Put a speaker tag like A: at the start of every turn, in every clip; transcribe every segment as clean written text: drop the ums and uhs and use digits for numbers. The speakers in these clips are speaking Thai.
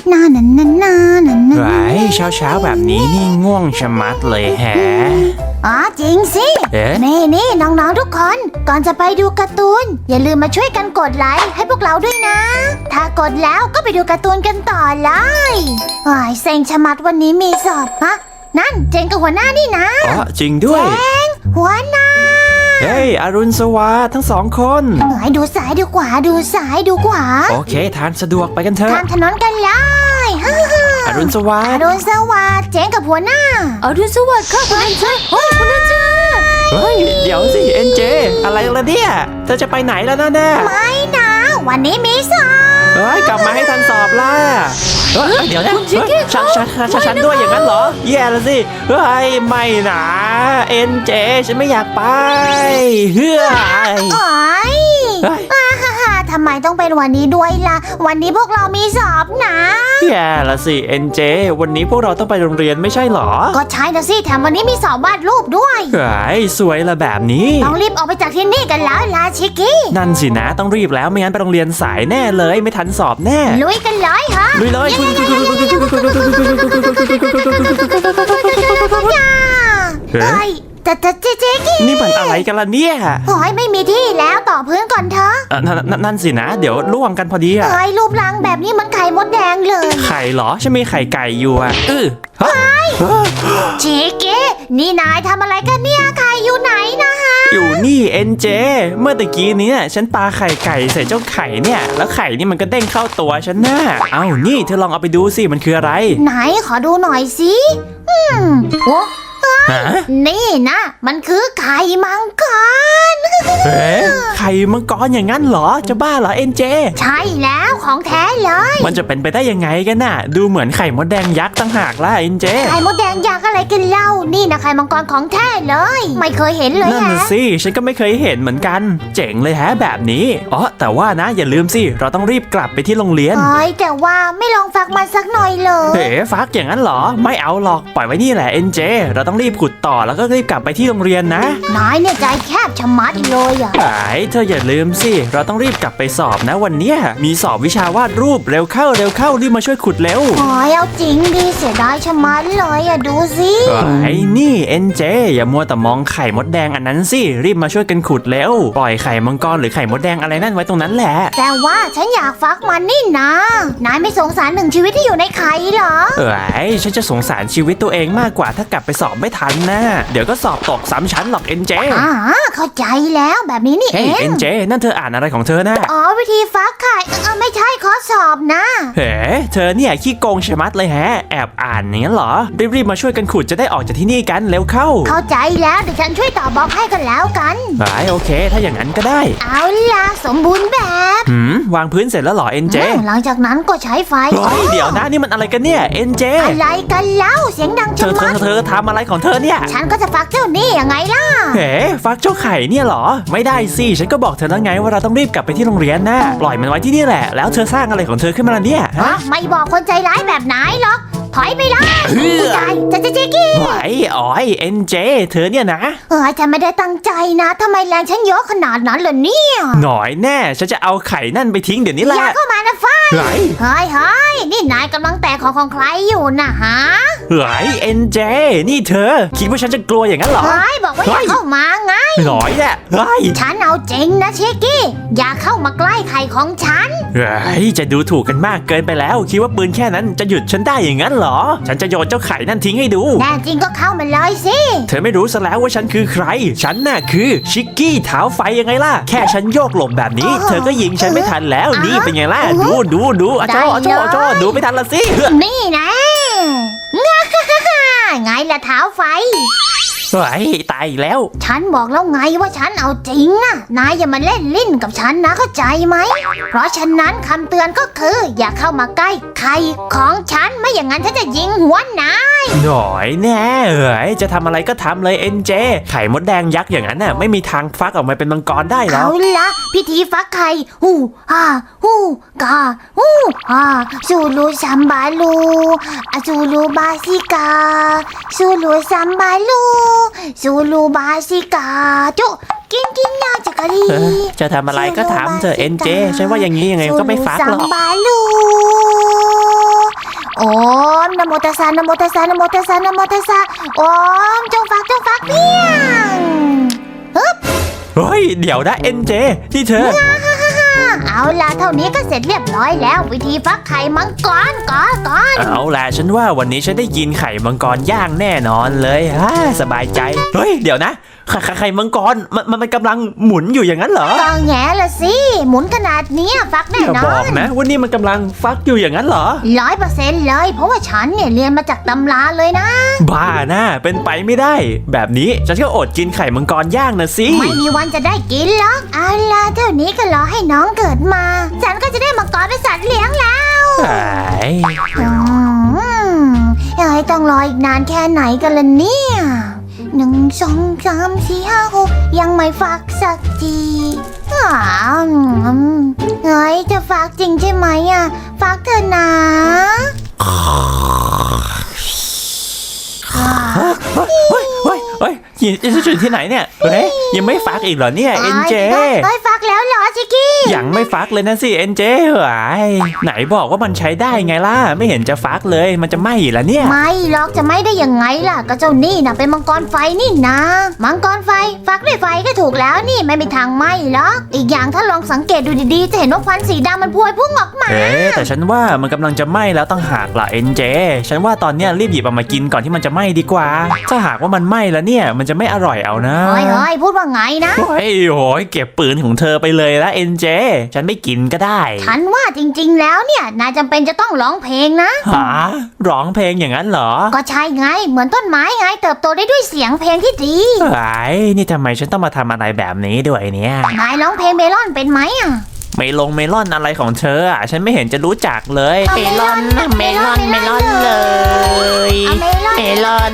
A: ไว้เช้าแบบนี้นี่ง่วงชะมัดเลยแฮะ
B: อ๋อจริงสินี่น้องๆทุกคนก่อนจะไปดูการ์ตูนอย่าลืมมาช่วยกันกดไลค์ให้พวกเราด้วยนะถ้ากดแล้วก็ไปดูการ์ตูนกันต่อเลยเซ็งชะมัดวันนี้มีสอบฮะนั่นเจงกับหัวหน้านี่นะ
A: อ๋อจริงด้วย
B: เจงหัวหน้า
A: เฮ้ยอรุณสวัสดิ์ทั้งสองคน
B: ดูซ้ายดูขวาดูซ้ายดูขวา
A: โอเคทานสะดวกไปกันเถอะ
B: ทานถนนกันเลย
A: อรุณสวัสดิ์
B: เจงกับหัวหน้า
C: อรุณสวัสดิ์ค่ะคุณอาจารย์คุณอาจารย์
A: เฮ้ยเดี๋ยวสิเอ็นเจอะไรล่ะเนี่ยเธอจะไปไหนแล้วนะแน่
B: ไม่นะวันนี้มีสอบ
A: เฮ้ยกลับมาให้ทันสอบล่ะเดี๋ยวนะฉันด้วยอย่างนั้นเหรอแย่แล้วสิเฮ้ยไม่นะเอ็นเจฉันไม่อยากไปเฮ้ย
B: ทำไมต้องเป็นวันนี้ด้วยล่ะวันนี้พวกเรามีสอบนะ
A: แย่ละสิเอ็นเจวันนี้พวกเราต้องไปโรงเรียนไม่ใช่หรอ
B: ก็ใช่นะสิแถมวันนี้มีสอบวาดรูปด้วย
A: เฮ้ยสวยละแบบนี้
B: ต้องรีบออกไปจากที่นี่กันแล้วลาชิกี้
A: นั่นสินะต้องรีบแล้วไม่งั้นไปโรงเรียนสายแน่เลยไม่ทันสอบแน่
B: ลุยกันเลยฮะ
A: ลุยเลย
B: แต่เจ๊กี้
A: นี่มันอะไรกันล่ะเนี่ย
B: โอ้ยไม่มีที่แล้วต่อพื้นก่อนเถอะ
A: นั่นสินะเดี๋ยวล่วงกันพอดี
B: เฮ้ยรูปร่างแบบนี้มันไข่มดแดงเลย
A: ไข่เหรอฉันมีไข่ไก่อยู่อ่ะ
B: เจ๊กี้นี่นายทำอะไรกันเนี่ยไข่อยู่ไหนนะฮะ
A: อยู่นี่เอ็นเจเมื่อตะกี้นี้ฉันปาไข่ไก่ใส่เจ้าไข่เนี่ยแล้วไข่นี่มันก็เด้งเข้าตัวฉันน่ะเอ้านี่เธอลองเอาไปดูสิมันคืออะไร
B: ไหนขอดูหน่อยสิโอ้นี่นะมันคือไข่มังกร
A: ไข่มังกรอย่างนั้นเหรอจะบ้าเหรอเอ็นเจ
B: ใช่แล้วของแท้เลย
A: มันจะเป็นไปได้ยังไงกันน่ะดูเหมือนไข่มดแดงยักษ์ตั้งหากล่ะเอ็นเจ
B: ไข่มดแดงยักษ์อะไรกันเล่านี่นะไข่มังกรของแท้เลยไม่เคยเห็นเลย
A: นั่นสิฉันก็ไม่เคยเห็นเหมือนกันเจ๋งเลยฮะแบบนี้อ๋อแต่ว่านะอย่าลืมสิเราต้องรีบกลับไปที่โรงเรียน
B: แต่ว่าไม่ลองฟักมันสักหน่อยเลย
A: ฟักอย่างนั้นเหรอไม่เอาหรอกปล่อยไว้นี่แหละเอ็นเจเราต้องรีบขุดต่อแล้วก็รีบกลับไปที่โรงเรียนนะ
B: นายเนี่ยใจแคบชะมัดเลยอ่ะ
A: เธออย่าลืมสิเราต้องรีบกลับไปสอบนะวันนี้มีสอบวิชาวาดรูปเร็วเข้ารีบมาช่วยขุดเร็ว
B: เอาจริงดิเสียดายชะมัดเลยอ่ะดูสิ
A: นี่เอ็นเจอย่ามัวแต่มองไข่มดแดงอันนั้นสิรีบมาช่วยกันขุดเร็วปล่อยไข่มังกรหรือไข่มดแดงอะไรนั่นไว้ตรงนั้นแหละ
B: แต่ว่าฉันอยากฟักมันนี่นะนายไม่สงสารหนึ่งชีวิตที่อยู่ในไข่เหรอ
A: ฉันจะสงสารชีวิตตัวเองมากกว่าถ้ากลับไปสอบไม่ทันนะเดี๋ยวก็สอบตก3 ชั้นหรอกเอ็นเจ
B: เข้าใจแล้วแบบนี้นี่เอง
A: เอ็นเจนั่นเธออ่านอะไรของเธอนะ
B: วิธีฟักไข่ไม่ใช่ข้อสอบนะ
A: เธอเนี่ยขี้โกงชะมัดเลยแอบอ่านอย่างนั้นเหรอรีบมาช่วยกันขุดจะได้ออกจากที่นี่กันเร็ว
B: เข้าใจแล้วเดี๋ยวฉันช่วยตอบบล็อกให้กันแล้วกัน
A: โอเคถ้าอย่างนั้นก็ได้
B: เอาล่ะสมบูรณ์แบบ
A: วางพื้นเสร็จแล้วเหรอเอ็นเจ
B: หลังจากนั้นก็ใช้ไฟ
A: เดี๋ยวนะนี่มันอะไรกันเนี่ยเอ็นเจ
B: อะไรกันเล่าเสียงดังจัง
A: เธอทำอะไรของเธอเนี่ย
B: ฉันก็จะฟักเจ้านี่ยังไงล่ะ
A: ฟักเจ้าไข่เนี่ยเหรอไม่ได้สิฉันก็บอกเธอแล้วไงว่าเราต้องรีบกลับไปที่โรงเรียนนะปล่อยมันไว้ที่นี่แหละแล้วเธอสร้างอะไรของเธอขึ้นมาเนี่ย
B: ไม่บอกคนใจร้ายแบบไหนหรอกถอยไปเลยจะเจ๊กี้
A: เอ็นเจเธอเนี่ยนะ
B: ฉันไม่ได้ตั้งใจนะทำไมแรงฉันเยอะขนาดนั้นล่ะเนี่ย
A: หน่อยแน่ฉันจะเอาไข่นั่นไปทิ้งเดี๋ยวนี้แหละ
B: อย่าเข้ามานะฟ้าเฮ้ยนี่นายกำลังแตะของใครอยู่นะฮะ
A: เอ็นเจนี่เธอคิดว่าฉันจะกลัวอย่างนั้นเหรอ
B: บอกว่าอย่าเข้ามาไง
A: หน่อยแหละ
B: ฉันเอาจริงนะเชกี้อย่าเข้ามาใกล้ไข่ของฉัน
A: จะดูถูกกันมากเกินไปแล้วคิดว่าปืนแค่นั้นจะหยุดฉันได้อย่างนั้นเหรอฉันจะโยนเจ้าไข่นั่นทิ้งให้ดู
B: แน่จริงก็เข้ามาเลยสิ
A: เธอไม่รู้ซะแล้วว่าฉันคือใครฉันน่ะคือชิกกี้เท้าไฟยังไงล่ะแค่ฉันโยกหลบแบบนี้เธอก็ยิงฉันไม่ทันแล้วนี่เป็นไงล่ะดูจ้อดูไม่ทันละสิ
B: นี่นะไงล่ะเท้าไฟ
A: ตายแล้ว
B: ฉันบอกแล้วไงว่าฉันเอาจริงนะนายอย่ามาเล่นลิ้นกับฉันนะเข้าใจไหมเพราะฉะนั้นคำเตือนก็คืออย่าเข้ามาใกล้ไข่ของฉันไม่อย่างนั้นฉันจะยิงหัวนาย
A: หน่อยแน่จะทำอะไรก็ทำเลยเอ็นเจไข่มดแดงยักษ์อย่างนั้นน่ะไม่มีทางฟักออกมาเป็นมังกรได้หรอก
B: เอาละพิธีฟักไข่กาซูลูซัมบาลูซูลูบาซิกาซูลูซัมบาลูซูลูบาซิกาจุกินนะจักรี
A: จะทำอะไรก็ทำเธอเอ็นเจฉันว่าอย่างนี้ยังไงก็ไม่ฟักหรอก
B: ซูลูซัมบาลูนะโมตัสสะนะโมตัสสะนะโมตัสสะนะโมตัสสะโอ้มจงฟักเพียงฮึบ
A: เฮ้ยเดี๋ยวนะเอ็นเจที่เธอ
B: เอาล่ะเท่านี้ก็เสร็จเรียบร้อยแล้ววิธีฟักไข่มังกรก่อน
A: เอาล่ะฉันว่าวันนี้ฉันได้กินไข่มังกรย่างแน่นอนเลยสบายใจเฮ้ยเดี๋ยวนะไข่มังกรมันกำลังหมุนอยู่อย่างนั้นเหรอ
B: ก็แง่ละสิหมุนขนาดเนี้ยฟักแน่
A: อย่าน
B: อ
A: บอก
B: น
A: นะว่านี่มันกำลังฟักอยู่อย่างนั้นเหรอ
B: 100%เลยเพราะว่าฉันเนี่ยเรียนมาจากตำราเลยนะ
A: บ้านะเป็นไปไม่ได้ แบบนี้ฉันก็อดกินไข่มังกรย่างนะสิ
B: ไม่มีวันจะได้กินหรอกเอาล่ะเท่านี้ก็รอให้น้องเกิดมา ฉันก็จะได้มังกรเป็นสัตว์เลี้ยงแล้ว
A: ไอ้
B: เอ้ยต้องรออีกนานแค่ไหนกันล่ะเนี่ย1 2 3 4 5 6ยังไม่ฟักสักทีเฮ้ยจะฟักจริงใช่ไหมอ่ะฟักเถอะนะ
A: เฮ้ยจะจุดที่ไหนเนี่ยเฮ้ยยังไม่ฟักอีกเหรอเนี่ยเอ็นเจ
B: เฮ้ยฟักแล้วเหรอชิคกี้
A: ยังไม่ฟักเลยนะสิเอ็นเจไหนบอกว่ามันใช้ได้ไงล่ะไม่เห็นจะฟักเลยมันจะไหม้อยู่แล้วเนี่ย
B: ไม่หรอกจะไม่ได้ยังไงล่ะก็เจ้านี่นะเป็นมังกรไฟนี่นะมังกรไฟฟักด้วยไฟก็ถูกแล้วนี่ไม่มีทางไหม้หรอกอีกอย่างถ้าลองสังเกตดูดีๆจะเห็นว่าควันสีดำมันพวยพุ่งออกมา
A: แต่ฉันว่ามันกำลังจะไหม้แล้วต้องหากล่ะเอ็นเจฉันว่าตอนเนี้ยรีบหยิบเอามากินก่อนที่มันจะไหม้ดีกว่าถ้าหากว่ามันไหม้แล้วเนี่ยมันจะไม่อร่อยเอานะ
B: เฮ้ยพูดว่าไงนะ
A: โอ้ยเก็บปืนของเธอไปเลยละเอ็นเจฉันไม่กินก็ได้
B: ฉันว่าจริงๆแล้วเนี่ยนายจำเป็นจะต้องร้องเพลงนะ
A: หาร้องเพลงอย่างนั้นเหรอ
B: ก็ใช่ไงเหมือนต้นไม้ไงเติบโตได้ด้วยเสียงเพลงที่ดี
A: ไอ้นี่ทำไมฉันต้องมาทำอะไรแบบนี้ด้วยเนี่ย
B: นายร้องเพลงเมลอนเป็นไหมอ่ะ
A: เมลอนอะไรของเธอฉันไม่เห็นจะรู้จักเลย
B: เมลอนเลย
C: เมลอนเลยเอ๊ะเมลอน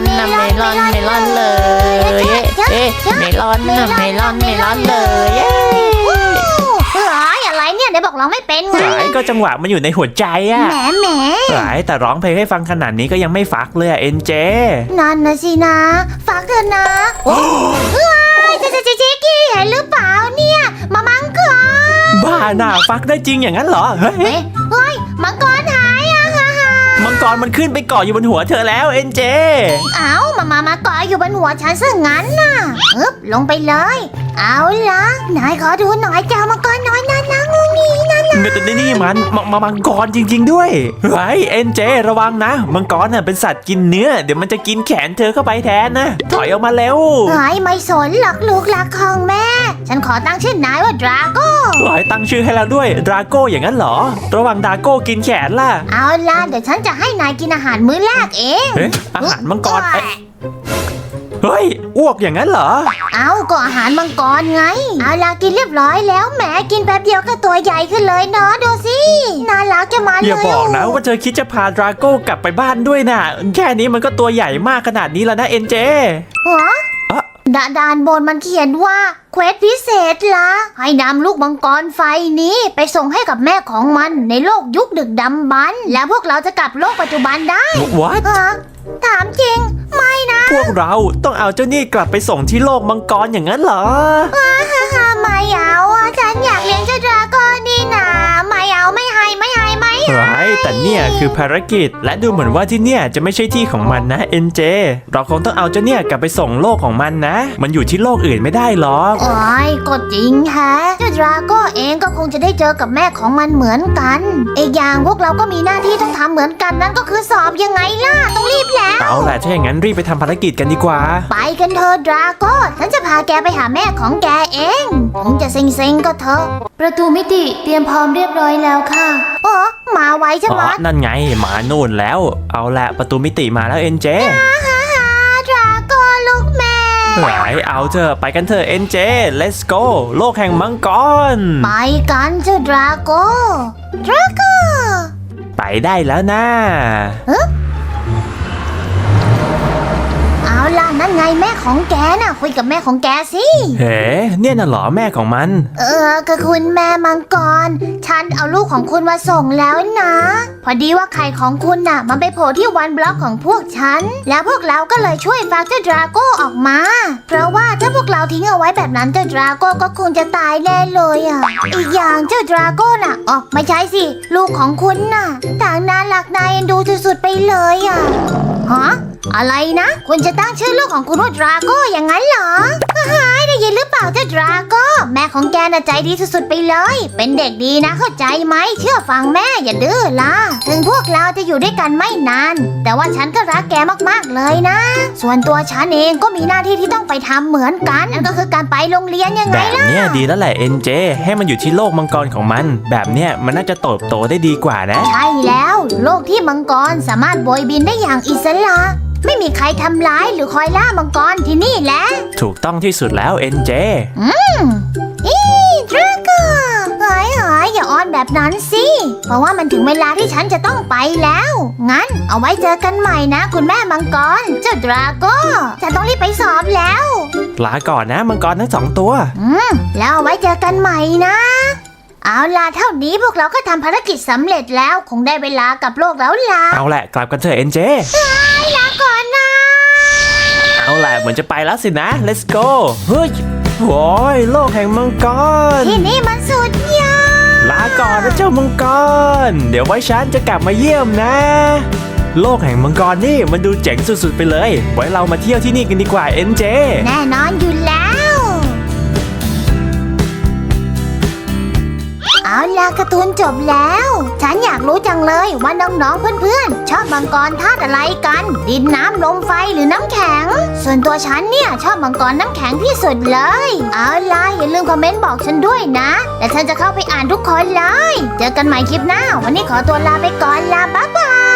C: เลยเอ๊ะ
B: เฮ้ยอะไรเนี่ยได้บอกร้องไม่เป็นไง
A: ไอ้ก็จังหวะมันอยู่ในหัวใจอะ
B: แหม
A: ไอ้แต่ร้องเพลงให้ฟังขนาดนี้ก็ยังไม่ฟักเลยเอ็นเจ
B: นั่นนะสินะฝากเถอะนะโอ้ยเจ๊กี้เห็นหรือเปล่าเนี่ยมามังกร
A: บ้าน่ะฟักได้จริงอย่างนั้นเหรอเฮ้ย
B: เฮ้ยมังกรหายอ่ะฮ่า
A: มังกรมันขึ้นไปเกาะอยู่บนหัวเธอแล้วเอ็นเจ
B: เอ้ามาเกาะอยู่บนหัวฉันซะงั้นน่ะลงไปเลยเอาล่ะนายขอดูหน่อยเจ้ามังกรน้อยนั่นนะงูงี้นั่นนะ
A: นี่มันมังกรจริงๆด้วยเฮ้ยเอ็นเจระวังนะมังกรน่ะเป็นสัตว์กินเนื้อเดี๋ยวมันจะกินแขนเธอเข้าไปแทนนะถอยออกมาเร็ว
B: เฮ้ยไม่สนหรอกลูกหลักของแม่ ฉันขอตั้งชื่อนายว่าดราโก้
A: เฮ้ยตั้งชื่อให้แล้วด้วยดราโก้อย่างนั้นเหรอระวังดราโก้กินแขนล่ะ
B: เอาล่ะเดี๋ยวฉันจะให้นายกินอาหารมื้อแรกเอง
A: เอ๊ะอาหารมังกรเฮ้ยอ้วกอย่างนั้นเหรอ
B: เอาก็อาหารมังกรไงเอาล่ะกินเรียบร้อยแล้วแหมกินแป๊บเดียวก็ตัวใหญ่ขึ้นเลยเนาะดูสิน่ารักจะมาเลย
A: อย่าบอกนะว่าเธอคิดจะพาดราโก้กลับไปบ้านด้วยนะแค่นี้มันก็ตัวใหญ่มากขนาดนี้แล้วนะเอ็นเจ
B: ฮะด้านบนมันเขียนว่าเควสพิเศษละให้นำลูกมังกรไฟนี้ไปส่งให้กับแม่ของมันในโลกยุคดึกดำบรรพ์แล้วพวกเราจะกลับโลกปัจจุบันได้
A: What
B: ฮะถามจริงไม่นะ
A: พวกเราต้องเอาเจ้านี่กลับไปส่งที่โลกมังกรอย่างนั้นเหรอ
B: ไม่เอาอะฉันอยากเลี้ยงเจ้าดราก้อนนี่นะไม่เอาไม่ให้
A: แต่เนี่ยคือภารกิจและดูเหมือนว่าที่เนี่ยจะไม่ใช่ที่ของมันนะเอ็นเจเราคงต้องเอาเจ้าเนี่ยกลับไปส่งโลกของมันนะมันอยู่ที่โลกอื่นไม่ได้หรอก
B: โอ้ยก็จริงแฮะเจ้าดราโก้เองก็คงจะได้เจอกับแม่ของมันเหมือนกันอีกอย่างพวกเราก็มีหน้าที่ต้องทำเหมือนกันนั่นก็คือสอบยังไงล่ะต้องรีบแล้ว
A: เอาล่ะถ้าอย่างนั้นรีบไปทำภารกิจกันดีกว่า
B: ไปกันเถอะดราโก้ฉันจะพาแกไปหาแม่ของแกเองถึงจะเซ็งๆก็เถอะ
C: ประตูมิติเตรียมพร้อมเรียบร้อยแล้วค่ะ
B: โอ้มาไวใช่ไหม
A: นั่นไงมานู่นแล้วเอาละประตูมิติมาแล้วเอ็นเจ
B: ดราโก้ลูกแม่
A: เอาเถอะไปกันเถอะเอ็นเจ let's go โลกแห่งมังกร
B: ไปกันเจ้าดราโก้
A: ไปได้แล้วนะ
B: เอาล่ะนั่นไงแม่ของแกน่ะคุยกับแม่ของแกสิ
A: เฮ้เนี่ยน่ะเหรอแม่ของมัน
B: ก็คุณแม่มังกรฉันเอาลูกของคุณมาส่งแล้วนะ พอดีว่าไข่ของคุณน่ะมันไปโผล่ที่วันบล็อกของพวกฉันแล้วพวกเราก็เลยช่วยฟักเจ้าดราโก้ออกมาเพราะว่าถ้าพวกเราทิ้งเอาไว้แบบนั้นเจ้าดราโก้ก็คงจะตายแน่เลยอ่ะอีกอย่างเจ้าดราโก้น่ะอ๋อไม่ใช่สิลูกของคุณน่ะต่างน่ารักน่าเอ็นดูสุดๆไปเลยอ่ะฮะอะไรนะคุณจะตั้งชื่อลูกของคุณว่าดราโก้อย่างนั้นเหรอได้ยินหรือเปล่าเจ้าดราโก้แม่ของแกน่ะใจดีสุดๆไปเลยเป็นเด็กดีนะเข้าใจไหมเชื่อฟังแม่อย่าดื้อล่ะถึงพวกเราจะอยู่ด้วยกันไม่นานแต่ว่าฉันก็รักแกมากๆเลยนะส่วนตัวฉันเองก็มีหน้าที่ที่ต้องไปทำเหมือนกันนั่นก็คือการไปโรงเรียนยังไง
A: แบบ
B: ล่ะ
A: เนี้ยดีแล้วแหละเอ็นเจให้มันอยู่ที่โลกมังกรของมัน แบบเนี้ยมันน่าจะเติบโตได้ดีกว่านะ
B: ใช่แล้วโลกที่มังกรสามารถโบยบินได้อย่างอิสระไม่มีใครทำร้ายหรือคอยล่ามังกรที่นี่แหละ
A: ถูกต้องที่สุดแล้วเอ็นเจ
B: ดราโก้อย่าอ้อนแบบนั้นสิเพราะว่ามันถึงเวลาที่ฉันจะต้องไปแล้วงั้นเอาไว้เจอกันใหม่นะคุณแม่มังกรเจ้าดราโก้ฉันต้องรีบไปสอบแล้ว
A: ลาก่อนนะมังกรทั้ง2 ตัว
B: แล้วเอาไว้เจอกันใหม่นะเอาล่ะเท่านี้พวกเราก็ทำภารกิจสำเร็จแล้วคงได้เวลากับโลกแล้วล่ะ
A: เอาแหละกลับกันเถอะเอ็นเจ
B: ลาก่อนนะ
A: เอาแหละเหมือนจะไปแล้วสินะ let's go เฮ้ยโว้ยโลกแห่งมังกร
B: ที่นี่มันสุดยอด
A: ลาก่อนนะเจ้ามังกรเดี๋ยวไว้ฉันจะกลับมาเยี่ยมนะ โลกแห่งมังกรนี่มันดูเจ๋งสุดๆไปเลยไว้เรามาเที่ยวที่นี่กันดีกว่าเอ็นเจ
B: แน่นอนอยู่แล้วเอาล่ะการ์ตูนจบแล้ว ฉันอยากรู้จังเลยว่าน้องๆเพื่อนๆชอบมังกรธาตุอะไรกัน ดินน้ำลมไฟหรือน้ำแข็ง ส่วนตัวฉันเนี่ยชอบมังกรน้ำแข็งที่สุดเลยเอาล่ะอย่าลืมคอมเมนต์บอกฉันด้วยนะและฉันจะเข้าไปอ่านทุกคนเลยเจอกันใหม่คลิปหน้าวันนี้ขอตัวลาไปก่อนลาบ๊ายบาย